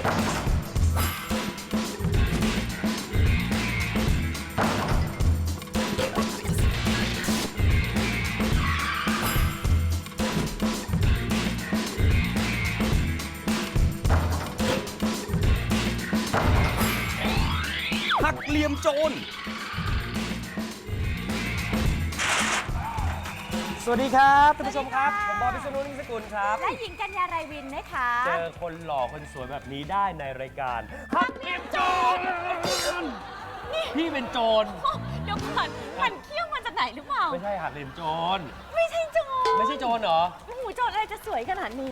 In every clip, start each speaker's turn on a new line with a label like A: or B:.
A: หักเหลี่ยมโจรสวัสดีครับท่านผู้ชมครับผมบอย พิษณุ นิ่มสกุลครับ
B: และหญิงกัญญา ไรวินนะคะ
A: เจอคนหล่อคนสวยแบบนี้ได้ในรายการหักเหลี่ยมโจรพี่เป็นโจร
B: เดี๋ยวก่อนมันเขี้ยวมาจากไหนหรือเปล่า
A: ไม่ใช่หักเหลี่ยมโจร
B: ไม่ใช่โจร
A: ไม่ใช่โจรเหรอ
B: โอ้โหโจรอะไรจะสวยขนาดนี้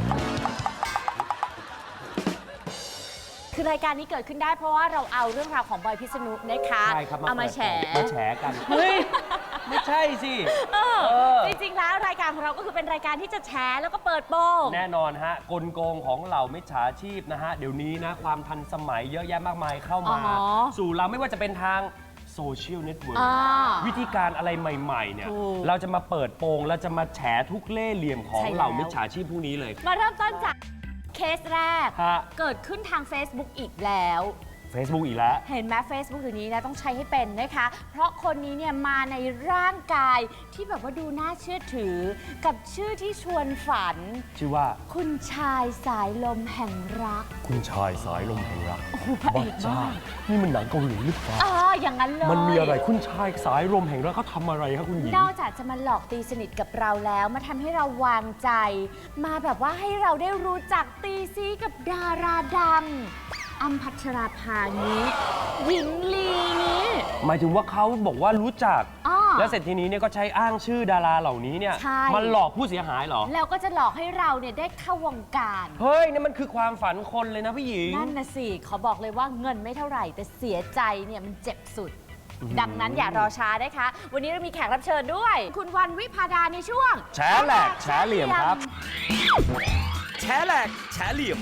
B: คือรายการนี้เกิดขึ้นได้เพราะว่าเราเอาเรื่องราวของบอยพิษณุนะคะ
A: ใช่ครับ
B: เอามาแฉ
A: กันเฮ้ยไม่ใช่สิ
B: จริงๆแล้วรายการของเราก็คือเป็นรายการที่จะแฉแล้วก็เปิดโปง
A: แน่นอนฮะกลโกงของเหล่ามิจฉาชีพนะฮะเดี๋ยวนี้นะความทันสมัยเยอะแยะมากมายเข้ามาสู่เราไม่ว่าจะเป็นทางโซเชียลเน็ตเวิร์กวิธีการอะไรใหม่ๆเนี่ยเราจะมาเปิดโปงเราจะมาแฉทุกเล่ห์เหลี่ยมของเหล่ามิจฉาชีพพวกนี้เลย
B: มาเริ่มต้นจากเคสแรกเกิดขึ้นทาง Facebook อีกแล้ว
A: Facebook อีกแล้ว
B: เห็นไหม Facebook อยู่นี้นะต้องใช้ให้เป็นนะคะเพราะคนนี้เนี่ยมาในร่างกายที่แบบว่าดูน่าเชื่อถือกับชื่อที่ชวนฝัน
A: ชื่อว่า
B: คุณชายสายลมแห่งรัก
A: คุณชายสายลมแห่งรักบ้าจ้านี่มันหนังเกาหลีหรือเปล่า
B: อย่างนั้นเลย
A: มันมีอะไรคุณชายสายลมแห่งรักเขาทำอะไรครับคุณหญิง
B: นอกจากจะมาหลอกตีสนิทกับเราแล้วมาทำให้เราวางใจมาแบบว่าให้เราได้รู้จักตีซีกับดาราดังอ้ำพัชราภานี้หญิงลีนี้
A: หมายถึงว่าเขาบอกว่ารู้จักแล้วเสร็จทีนี้เนี่ยก็ใช้อ้างชื่อดาราเหล่านี้เนี่ยมันหลอกผู้เสียหายเหรอ
B: แล้วก็จะหลอกให้เราเนี่ยได้เข้าวงการ
A: เฮ้ยนี่มันคือความฝันคนเลยนะพี่หญิง
B: นั่นนะสิเขาบอกเลยว่าเงินไม่เท่าไหร่แต่เสียใจเนี่ยมันเจ็บสุดดังนั้นอย่ารอช้านะคะวันนี้เรามีแขกรับเชิญด้วยคุณวันวิภาดาในช่วง
A: แฉแหลกแฉเหลี่ยมครับแฉแหลกแฉเหลี่ยม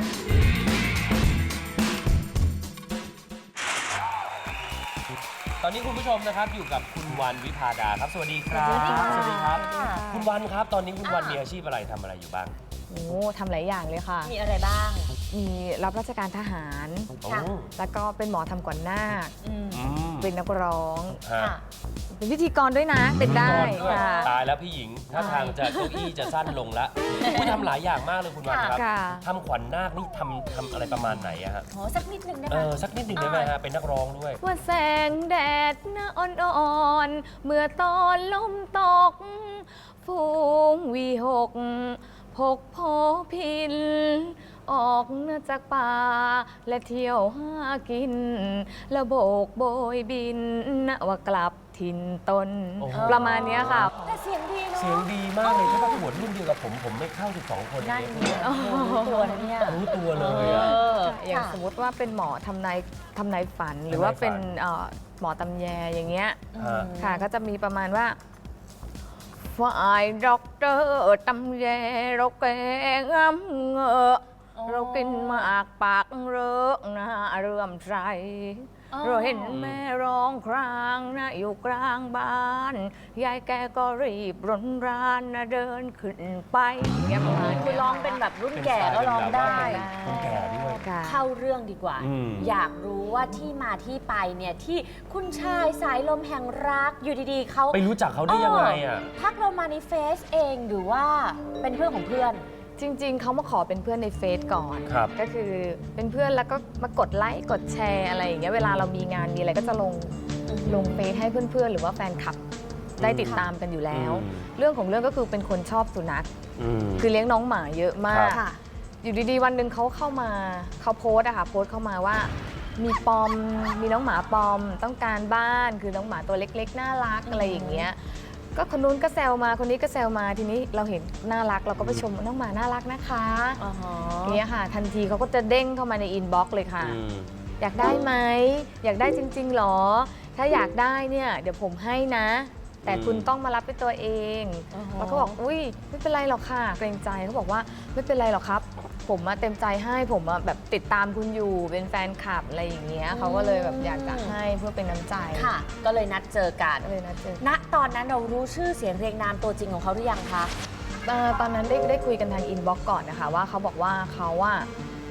A: ตอนนี้คุณผู้ชมนะครับอยู่กับคุณวันวิภาดาครับสวัสดีครับสวัสดีครับคุณวันครับตอนนี้คุณวันมีอาชีพอะไรทำอะไรอยู่บ้าง
C: โอ้ทำหลายอย่างเลยค่ะ
B: มีอะไรบ้าง
C: มีรับราชการทหารแล้วก็เป็นหมอทำก่อนหน้าเป็นนักร้องเป็นพิธีกรด้วยนะเป็นได้
A: ตายแล้วพี่หญิงถ้าทางจะเก้าอี้จะสั้นลงแล้วคุณทำหลายอย่างมากเลยคุณวันครับทำขวัญนาคนี่ทำอะไรประมาณไหนอะฮะ
B: สักนิดหนึ่งได้ไหม
A: สักนิดหนึ่งได้ไหมฮะเป็นนักร้องด้วย
C: ว่าแสงแดดอ่อนๆเมื่อตอนลมตกฟูงวีหกพกโพพินออกจากป่าและเที่ยวหากินแล้วโบกโบยบินว่ากลับถิ่นตนประมาณนี้ค่ะ
B: แต่เสียงดีเนาะ
A: เสียงดีมากเลยถ้าประกวดรุ่นเดียวกับผมไม่เข้า12 คน
B: นั่นรู้ตัวนะเนี่ย
A: รู้ตัวเลย
C: อย่างสมมติว่าเป็นหมอทำนายฝันหรือว่าเป็นหมอตำแยอย่างเงี้ยค่ะก็จะมีประมาณว่าฝ่ายด็อกเตอร์ตำแยเราแกงเงอะเรากินมากปากเริกนะเรื่อมใจเราเห็นแม่ร้องครางนะอยู่กลางบ้านยายแกก็รีบร้นรานนะเดินขึ้นไปอย่างเงี้ย
B: คือร้องเป็นแบบรุ่นแก่ก็ร้องได้
A: รุ่นแก่ด้วย
B: เข้าเรื่องดีกว่าอยากรู้ว่าที่มาที่ไปเนี่ยที่คุณชายสายลมแห่งรักอยู่ดีๆเขา
A: ไปรู้จักเขาได้ยังไงอ่ะ
B: ทักเรามาในเฟซเองหรือว่าเป็นเพื่อนของเพื่อน
C: จริงๆเขามาขอเป็นเพื่อนในเฟซก่อนก็คือเป็นเพื่อนแล้วก็มากดไลค์กดแชร์อะไรอย่างเงี้ยเวลาเรามีงานมีอะไรก็จะลงเฟซให้เพื่อนๆหรือว่าแฟนคลับได้ติดตามกันอยู่แล้วเรื่องของเรื่องก็คือเป็นคนชอบสุนัขคือเลี้ยงน้องหมาเยอะมากอยู่ดีๆวันหนึ่งเขาเข้ามาเขาโพสต์เข้ามาว่ามีน้องหมาปอมต้องการบ้านคือน้องหมาตัวเล็กๆน่ารักอะไรอย่างเงี้ยก็คนนู้นก็แซวมาคนนี้ก็แซวมาทีนี้เราเห็นน่ารักเราก็ไปชมน้องหมาน่ารักนะคะอย่างเงี้ยค่ะทันทีเขาก็จะเด้งเข้ามาในอินบ็อกซ์เลยค่ะอยากได้ไหมอยากได้จริงๆหรอถ้าอยากได้เนี่ยเดี๋ยวผมให้นะแต่คุณต้องมารับด้วยตัวเองเราก็บอกอุ้ยไม่เป็นไรหรอกค่ะเกรงใจเขาบอกว่าไม่เป็นไรหรอกครับผมเต็มใจให้ผมแบบติดตามคุณอยู่เป็นแฟนคลับอะไรอย่างเงี้ยเขาก็เลยแบบอยากจะให้เพื่อเป็นน้ำใจ
B: ค่ะก็เลยนัดเจอกันณตอนนั้นเรารู้ชื่อเสียงเรียงนามตัวจริงของเขาหรือยังคะ
C: ตอนนั้นได้คุยกันทางอินบ็อกซ์ก่อนนะคะว่าเขาบอกว่าเขา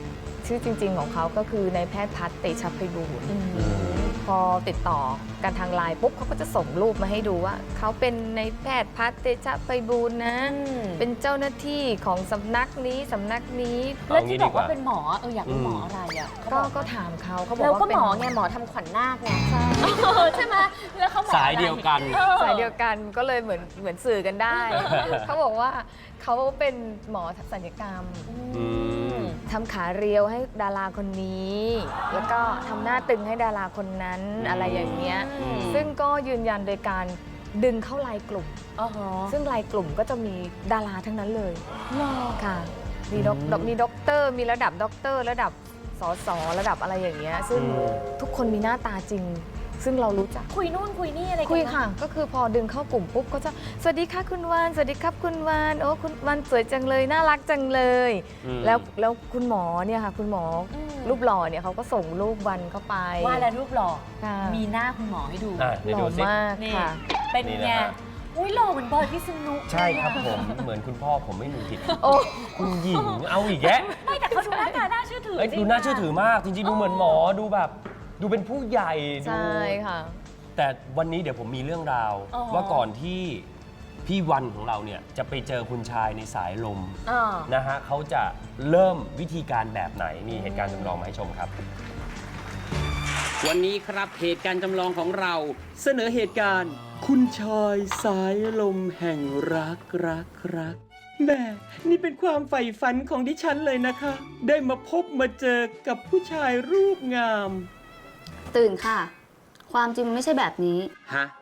C: ชื่อจริง ๆ ของเขาก็คือนายแพทย์พัฒน์เตชะไพบูลย์พอติดต่อกันทางไลน์ปุ๊บเขาก็จะส่งรูปมาให้ดูว่าเขาเป็นนายแพทย์พัฒน์เตชะไพบูลย์นะ เป็นเจ้าหน้าที่ของสำนักนี้สำนักนี้
B: แล้วที่บอกว่าเป็นหมออยากรู้หมออะไรอ่ะ
C: ก็ถามเขาบอก
B: แล้ว
C: ว่า
B: ก็
C: เป็น
B: หมอไงหมอทำขวัญนาคไงใช่ไหมแล้วเขาหมอ
A: สายเดียวกัน
C: สายเดียวกันก็เลยเหมือนสื่อกันได้ เขาบอกว่าเขาเป็นหมอศัลยกรรมทำขาเรียวให้ดาราคนนี้ แล้วก็ทำหน้าตึงให้ดาราคนนั้นอะไรอย่างเงี้ยซึ่งก็ยืนยันโดยการดึงเข้าไลน์กลุ่มซึ่งไลน์กลุ่มก็จะมีดาราทั้งนั้นเลยค่ะมีด็อกเตอร์มีระดับด็อกเตอร์ระดับสสระดับอะไรอย่างเงี้ยซึ่งทุกคนมีหน้าตาจริงซึ่งเรารู้จัก
B: คุยนู่นคุยนี่อะไรกัน
C: คุยค่ะก็คือพอดึงเข้ากลุ่มปุ๊บก็จะสวัสดีค่ะคุณวานสวัสดีครับคุณวานโอ้คุณวานสวยจังเลยน่ารักจังเลยแล้วคุณหมอเนี่ยค่ะคุณหมอรูปหล่อเนี่ยเขาก็ส่งรูปวันเข้าไป
B: ว่าแล้วรูปหล่อ
C: ค่ะ
B: มีหน้าคุณหมอให้ดู
C: หล่อมากค่ะ
B: เป็นไงอุ้ยหล่อเหมือนบอยพิษณุ
A: ใช่ครับผมเหมือนคุณพ่อผมไม่มีผิด
C: โอ้
A: คุณหญิงเอาอีกแยะ
B: ไม่แต่เขาดูหน้าตาน่าเชื่อถือจริง
A: ดูน่าเชื่อถือมากจริงๆดูเหมือนหมอดูแบบดูเป็นผู้ใหญ่ดู
C: ใช่ค่ะ
A: แต่วันนี้เดี๋ยวผมมีเรื่องราวว่าก่อนที่พี่วันของเราเนี่ยจะไปเจอคุณชายในสายลมนะฮะเขาจะเริ่มวิธีการแบบไหนมีเหตุการณ์จำลองมาให้ชมครับ
D: วันนี้ครับเหตุการณ์จำลองของเราเสนอเหตุการณ์ คุณชายสายลมแห่งรักแม่นี่เป็นความใฝ่ฝันของดิฉันเลยนะคะ ได้มาพบมาเจอกับผู้ชายรูปงาม
E: ตื่นค่ะ ความจริงมันไม่ใช่แบบนี้
D: ฮะ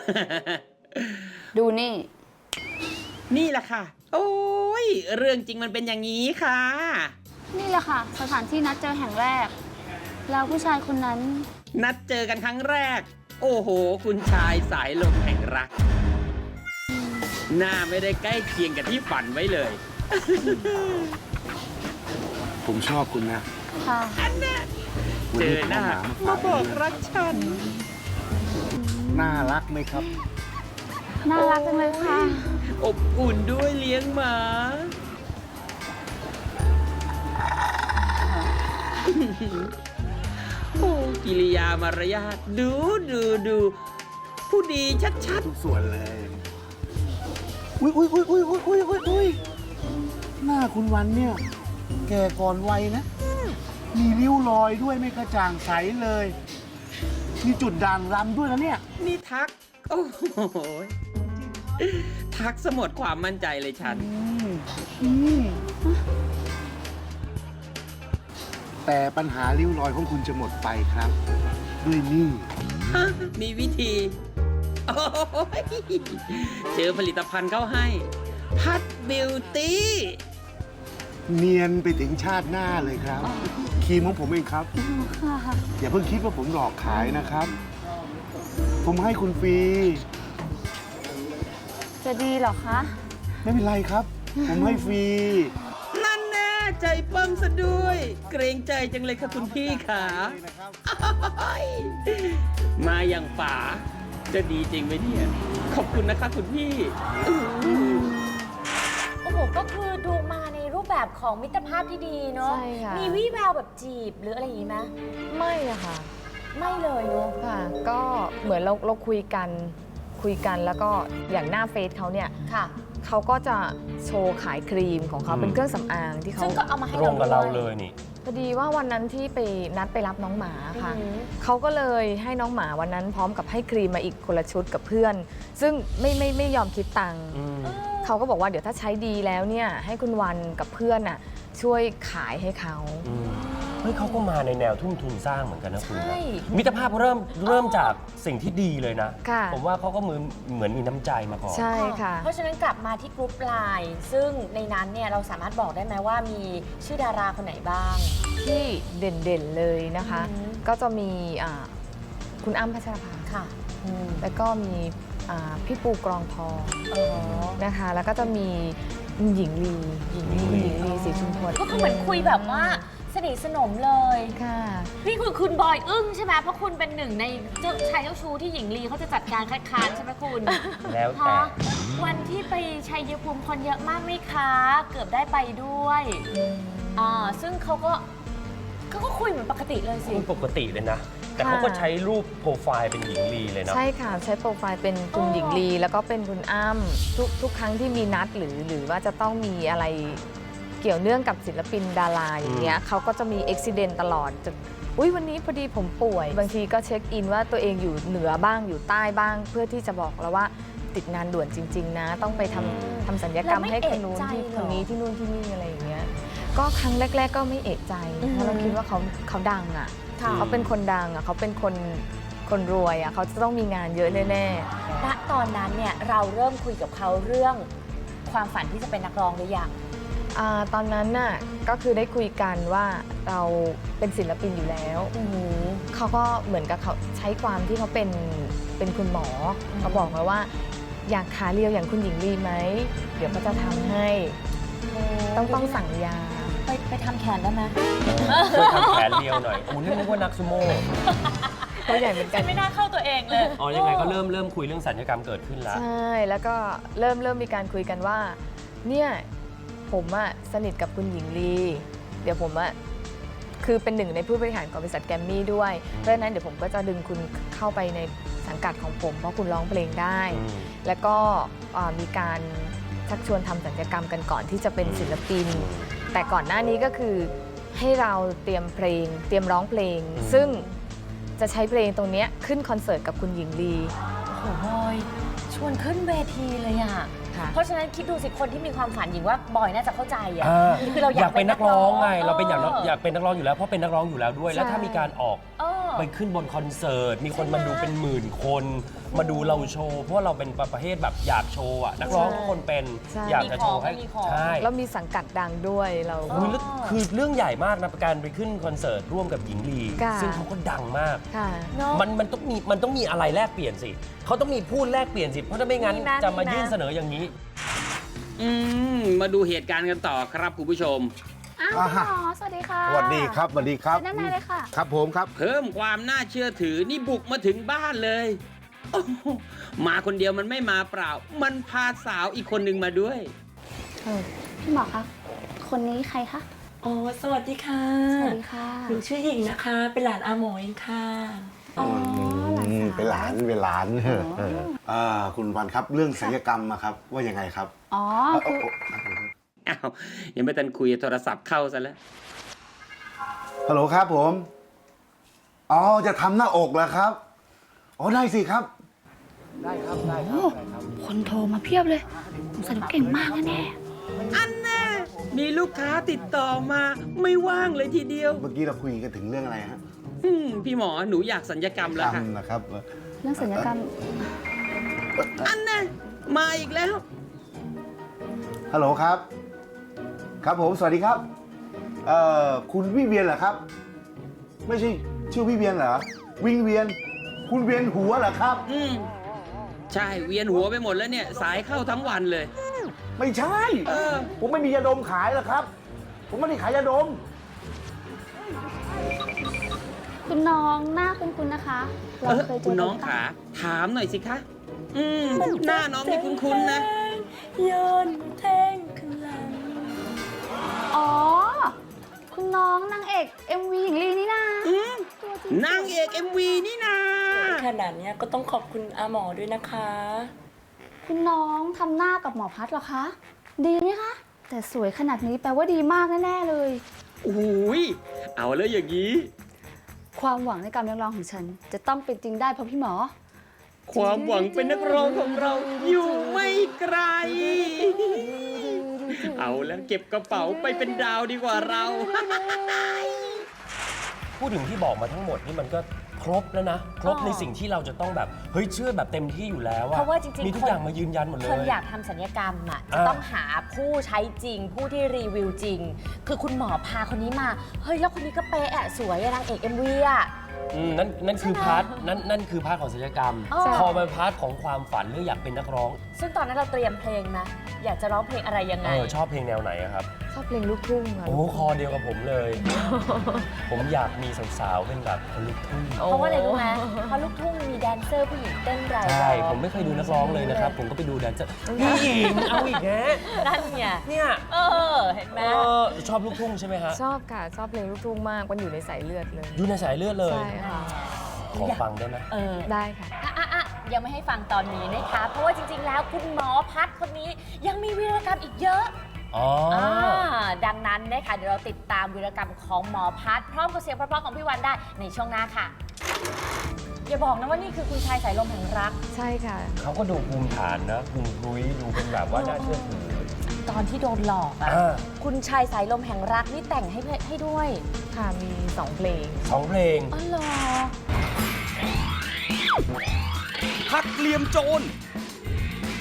E: ดูนี่
D: นี่แหละค่ะ โอ้ยเรื่องจริงมันเป็นอย่างนี้ค่ะ
E: นี่แหละค่ะ สถานที่นัดเจอแห่งแรก แล้วผู้ชายคนนั้น
D: นัดเจอกันครั้งแรก โอ้โห คุณชายสายลมแห่งรัก หน้าไม่ได้ใกล้เคียงกับที่ฝันไว้เลย
F: ผมชอบคุณนะ
E: ค่ะ
D: เจอหน้ามาบอกรักฉัน
F: น่ารักไหมครับ
E: น่ารักจังเลยค่ะ
D: อบอุ่นด้วยเลี้ยงหมา โอ้กิริยามารยาทดูผู้ดีชัด
F: ทุกส่วนเลย อุ้ยหน้าคุณวันเนี่ย แก่ก่อนวัยนะ มีริ้วรอยด้วยไม่กระจ่างใสเลย มีจุดด่างรำด้วยนะเนี่ย
D: ๆ นี่ทัก โอ้โหทักสมดความมั่นใจเลยฉัน
F: แต่ปัญหาริ้วรอยของคุณจะหมดไปครับ ด้วยนี่
D: มีวิธีโอ้ยเจอผลิตภัณฑ์เข้าให้ พัดบิวตี้
F: เนียนไปถึงชาติหน้าเลยครับครีมของผมเองครับ อย่าเพิ่งคิดว่าผมหลอกขายนะครับ ผมให้คุณฟรี
E: จะดีเหรอคะ
F: ไม่เป็นไรครับ ผมให้ฟรี
D: นั่นแน่ใจปั้มซะด้วย เกรงใจจังเลยค่ะคุณพี่ขามาอย่างป่า จะดีจริงไหมเนี่ย ขอบคุณนะคะคุณพี่
B: โอ้โหก็คือดูมาในรูปแบบของมิตรภาพที่ดีเนาะ
C: ใช่ค่ะ
B: มีวี่แววแบบจีบหรืออะไรอย่างนี้ไหม
C: ไม่อะค่ะ
B: ไม่เลยเนาะ
C: ค่ะ ก็เหมือนเราคุยกันแล้วก็อย่างหน้าเฟซเขาเนี่ย
B: ค่ะ
C: เขาก็จะโชว์ขายครีมของเขาเป็นเครื่องสำอางที่เขา
B: ซึ่งก็เอามาให้
A: ตรงกับเรา
B: ด้ว
A: เลยนี่
C: พอดีว่าวันนั้นที่ไปนัดไปรับน้องหมาค่ะ
B: อือหือ
C: เขาก็เลยให้น้องหมาวันนั้นพร้อมกับให้ครีมมาอีกคนละชุดกับเพื่อน ซึ่งไม่ยอมคิดตังค์เขาก็บอกว่าเดี๋ยวถ้าใช้ดีแล้วเนี่ยให้คุณวันกับเพื่อนน่ะช่วยขายให้เขา
A: เฮ้ยเขาก็มาในแนวทุ่มทุนสร้างเหมือนกันนะคุณ
B: ใช่
A: นะมิตรภาพเริ่มจากสิ่งที่ดีเลยนะ
C: ค่ะ
A: ผมว่าเขาก็เหมือนมีน้ำใจมาก่อน
C: ใช่ค่ะ
B: เพราะฉะนั้นกลับมาที่กรุ๊ปไลน์ซึ่งในนั้นเนี่ยเราสามารถบอกได้ไหมว่ามีชื่อดาราคนไหนบ้าง
C: ที่เด่นๆเลยนะคะ
B: อือหือ
C: ก็จะมีคุณอ้ำพัชรภา
B: ค่ะ
C: แล้วก็มีพี่ปูกรองทองนะคะ แล้วก็จะมีหญิงลีศรีชุมพล
B: ก็คือเหมือนคุยแบบว่าสนิทสนมเลย
C: ค่ะ
B: นี่คือคุณบอยอึ้งใช่ไหมเพราะคุณเป็นหนึ่งในชายเจ้าชู้ที่หญิงลีเขาจะจัดการคัดค้านใช่ไหมคุณ
A: แล้วแต่
B: ฮะวันที่ไปชัยภูมิคนเยอะมากไหมคะ เกือบได้ไปด้วยซึ่งเขาก็เขาก็คุยเหมือนปกติเลยสิ
A: คุณปกติเลยนะ แต่เขาก็ใช้รูปโปรไฟล์เป็นหญิงลีเลยนะ
C: ใช่ค่ะใช้โปรไฟล์เป็นคุณหญิงลีแล้วก็เป็นคุณอ้ำทุกครั้งที่มีนัดหรือว่าจะต้องมีอะไรเกี่ยวเนื่องกับศิลปินดาราอย่างเงี้ยเขาก็จะมีอุบิเหตุตลอดจะวันนี้พอดีผมป่วย บางทีก็เช็คอินว่าตัวเองอยู่เหนือบ้างอยู่ใต้บ้าง เพื่อที่จะบอกเราว่าติดงานด่วนจริงๆนะต้องไปทำศัลยกรรมให้คนนู้นที่คนนี้ที่นู่นที่นี่อะไรอย่างเงี้ยก็ครั้งแรกๆก็ไม่เอะใจเพราะเราคิดว่าเขาดังอ่ะเขาเป็นคนดังอ่ะเขาเป็นคนรวยอ่ะเขาจะต้องมีงานเยอะแน่ๆ
B: ณตอนนั้นเนี่ยเราเริ่มคุยกับเขาเรื่องความฝันที่จะเป็นนักร้องหรือยัง
C: ตอนนั้นน่ะก็คือได้คุยกันว่าเราเป็นศิลปินอยู่แล้วเขาก็เหมือนกับเขาใช้ความที่เขาเป็นคุณหมอเขาบอกมาว่าอยากขาเรียวอย่างคุณหญิงลีไหมเดี๋ยวเขาจะทำให้ต้องสั่งยา
B: ไปทำแขนได้ไหม
A: ช่วยทำแขนเรียวหน่อยนี่นึกว่านักซูโม่
C: ตัวใหญ่เหมือนกัน
B: ไม่น่าเข้าตัวเองเลย
A: อ๋อยังไงก็เริ่มคุยเรื่องสัญญกรรมเกิดขึ้นแล้ว
C: ใช่แล้วก็เริ่มมีการคุยกันว่าเนี่ยผมสนิทกับคุณหญิงลีเดี๋ยวผมคือเป็นหนึ่งในผู้บริหารของบริษัทแกรมมี่ด้วยเพราะฉะนั้นเดี๋ยวผมก็จะดึงคุณเข้าไปในสังกัดของผมเพราะคุณร้องเพลงได้ แล้วก็มีการชักชวนทำศัลยกรรมกันก่อนที่จะเป็นศิลปินแต่ก่อนหน้านี้ก็คือให้เราเตรียมเพลงเตรียมร้องเพลงซึ่งจะใช้เพลงตรงนี้ขึ้นคอนเสิร์ตกับคุณหญิงลี
B: โอ้โหบอยชวนขึ้นเวทีเลยอ่ะเพราะฉะนั้นคิดดูสิคนที่มีความฝันหญิงว่าบอยน่าจะเข้าใจอ่ะคือเราอยากเป็นนักร้อง
A: ไงเราเป็นอยากเป็นนักร้องอยู่แล้วเพราะเป็นนักร้องอยู่แล้วด้วยแล้วถ้ามีการออกไปขึ้นบนคอนเสิร์ตมีคนมาดูเป็นหมื่นคนมาดูเราโชว์เพราะเราเป็นประเภทแบบอยากโชว์อ่ะนักร้องทุกคนเป็นอยากจะโชว์ให้ใช่
C: แล้วมีสังกัดดังด้วยเรา
A: คือเรื่องใหญ่มากนะการไปขึ้นคอนเสิร์ตร่วมกับหญิงลีซึ่งเขาก็ดังมากมันต้องมีอะไรแลกเปลี่ยนสิเขาต้องมีพูดแลกเปลี่ยนสิเพราะถ้าไม่งั้นจะมายื่นเสนออย่างนี้
D: มาดูเหตุการณ์กันต่อครับคุณผู้ชม
E: คุณหมอสวัสดีค่ะ
F: สวัสดีครับสวัสดีครับ
E: ด้านในเลยค่ะ
F: ครับผมครับ
D: เพิ่มความน่าเชื่อถือนี่บุกมาถึงบ้านเลยมาคนเดียวมันไม่มาเปล่ามันพาสาวอีกคนหนึ่งมาด้วย
E: พี่หมอคะคนนี้ใครคะ
G: อ๋อสวัสดีค่ะ
E: สวัสดีค่ะ
G: หนูชื่อหญิงนะคะเป็นหลานอาหมอเองค่ะ
E: อ๋อหลานสาว
F: เป็นหลานคุณวันครับเรื่องศัลยกรรมครับว่ายังไงครับ
E: อ๋อคือ
D: อ้าวยังไม่ทันคุยโทรศัพท์เข้าซะแล้ว
F: ฮัลโหลครับผมอ๋อจะทำหน้าอกเหรอครับอ๋อได้สิครับได้ครับ
E: คนโทรมาเพียบเลยผมสนุกเก่งมากแน่
D: อันน่ะมีลูกค้าติดต่อมาไม่ว่างเลยทีเดียว
F: เมื่อกี้เราคุยกันถึงเรื่องอะไรฮะ
D: พี่หมอหนูอยากสัญญกรรมแล้วค่ะ
F: นะครับ
E: เรื่องสัญญกรรม
D: อันน่ะมาอีกแล้ว
F: ฮัลโหลครับครับผมสวัสดีครับคุณวิเวียนเหรอครับไม่ใช่ชื่อวิเวียนเหรอวิงเวียนคุณเวียนหัวเหรอครับ
D: ใช่เวียนหัวไปหมดแล้วเนี่ยสายเข้าทั้งวันเลย
F: ไม่ใช่ผมไม่มียาดมขายหรอกครับผมไม่ได้ขายยาดม
E: คุณน้องหน้าคุณนะคะเราเคยเจอ
D: คุณน้องขาถามหน่อยสิคะหน้าน้องนี่คุ้นๆนะ
G: โยนแทงขึ้นหลัง
E: อ๋อคุณน้องนางเอก MV หญิงลีนี่นะ
D: นางเอก MV นี่นะ
G: ขนาดนี้ก็ต้องขอบคุณอาหมอด้วยนะคะ
E: คุณน้องทำหน้ากับหมอพัดเหรอคะดีไหมคะแต่สวยขนาดนี้แปลว่าดีมากแน่ๆเลย
D: โอ้ยเอาแล้วอย่างนี้
E: ความหวังในการเลี้ยงร้องของฉันจะต้องเป็นจริงได้เพราะพี่หมอ
D: ความหวังเป็นนักร้องของเราอยู่ไม่ไกลเอาแล้วเก็บกระเป๋าไปเป็นดาวดีกว่าเรา
A: พูดถึงที่บอกมาทั้งหมดนี่มันก็ครบแล้วนะครบในสิ่งที่เราจะต้องแบบเฮ้ยเชื่อแบบเต็มที่อยู่แล้ว
B: เพราะว่าจริงๆ
A: มีทุกอย่างมายืนยันหมดเลย
B: คนอยากทำศัลยกรรมจะต้องหาผู้ใช้จริงผู้ที่รีวิวจริงคือคุณหมอพาคนนี้มาเฮ้ยแล้วคนนี้ก็เป๊ะสวยนางเอก MV
A: นั่นคือพาร์ทนั่นคือพาร์ทของศิลปกรรม พอมาพาร์ทของความฝันเรื่องอยากเป็นนักร้อง
B: ซึ่งตอนนั้นเราเตรียมเพลงนะ อยากจะร้องเพลงอะไรยังไง
A: ชอบเพลงแนวไหนอะครับ
C: ชอบเพลงลูกทุ่งค่ะ
A: โอ้คอเดียวกับผมเลย ผมอยากมีสาวๆเป็นแบบคนลูกทุ่ง
B: เพราะว่าอะไรรู้ไหมเพราะลูกทุ่งมีแดนเซอร์ผู้หญิงเต้นราย
A: ใช่ ผมไม่เคยดูนักร้องเลยนะครับ ผมก็ไปดูแดนเซอร์พี่หญิงเอาอีกแฮะ
B: นั่นไง
A: เนี่ย
B: เห็นไหม
A: ชอบลูกทุ่งใช่ไหมฮะ
C: ชอบค่ะ ชอบเพลงลูกทุ่งมากมันอยู่ในสายเลือดเลย
A: อยู่ในสายเลือดเลย
C: ใช่ค่ะ
A: ขอฟังได้ไหม
C: ได้ค่ะ
B: ยังไม่ให้ฟังตอนนี้นะคะ เพราะว่าจริงๆ แล้วคุณหมอพัดคนนี้ยังมีวีรกรรมอีกเยอะ ดังนั้นนะคะเดี๋ยวเราติดตามวีรกรรมของหมอพัดพร้อมกับเสียงเพราะๆของพี่วันได้ในช่วงหน้าค่ะ อย่าบอกนะว่านี่คือคุณชายสายลมแห่งรัก
C: ใช่ค่ะ
A: เขาก็ดูภูมิฐานนะภูมิรุ้ยดูเป็นแบบว่าน่าเชื่อถือ
B: ตอนที่โดนหลอกอ่ะ คุณชายสายลมแห่งรักนี่แต่งให้ด้วย
C: ค่ะ มี 2 เพลง
A: 2 เพลง
B: อ๋อเหรอ
H: หักเหลี่ยมโจร